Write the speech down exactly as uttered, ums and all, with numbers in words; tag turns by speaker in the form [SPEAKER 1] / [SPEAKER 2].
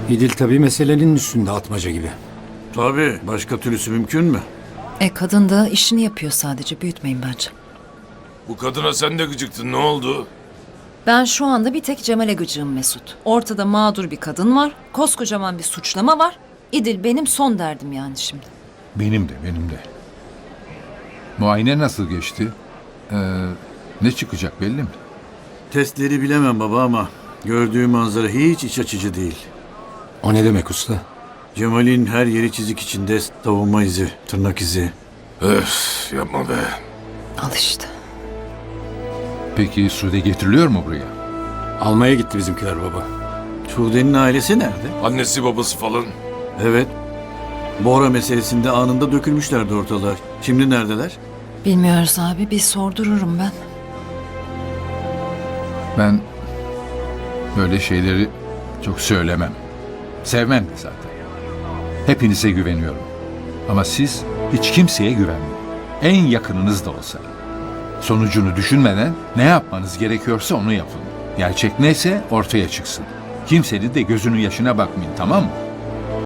[SPEAKER 1] İdil tabii meselenin üstünde atmaca gibi.
[SPEAKER 2] Tabii. Başka türlüsü mümkün mü?
[SPEAKER 3] E kadın da işini yapıyor sadece. Büyütmeyin bence.
[SPEAKER 4] Bu kadına sen de gıcıktın, ne oldu?
[SPEAKER 3] Ben şu anda bir tek Cemal'e gıcığım Mesut. Ortada mağdur bir kadın var. Koskocaman bir suçlama var. İdil benim son derdim yani şimdi.
[SPEAKER 5] Benim de, benim de. Muayene nasıl geçti? Ee, ne çıkacak belli mi?
[SPEAKER 2] Testleri bilemem baba ama gördüğüm manzara hiç iç açıcı değil.
[SPEAKER 1] O ne demek usta?
[SPEAKER 2] Cemal'in her yeri çizik içinde, savunma izi, tırnak izi.
[SPEAKER 4] Öf, yapma be.
[SPEAKER 3] Al işte.
[SPEAKER 5] Peki Sude getiriliyor mu buraya?
[SPEAKER 1] Almaya gitti bizimkiler baba.
[SPEAKER 2] Sude'nin ailesi nerede?
[SPEAKER 4] Annesi babası falan.
[SPEAKER 2] Evet. Bora meselesinde anında dökülmüşlerdi ortalığa. Şimdi neredeler?
[SPEAKER 3] Bilmiyoruz abi. Bir sordururum ben.
[SPEAKER 5] Ben böyle şeyleri çok söylemem. Sevmem de zaten. Hepinize güveniyorum. Ama siz hiç kimseye güvenmeyin. En yakınınız da olsa. Sonucunu düşünmeden ne yapmanız gerekiyorsa onu yapın. Gerçek neyse ortaya çıksın. Kimsenin de gözünün yaşına bakmayın, tamam mı?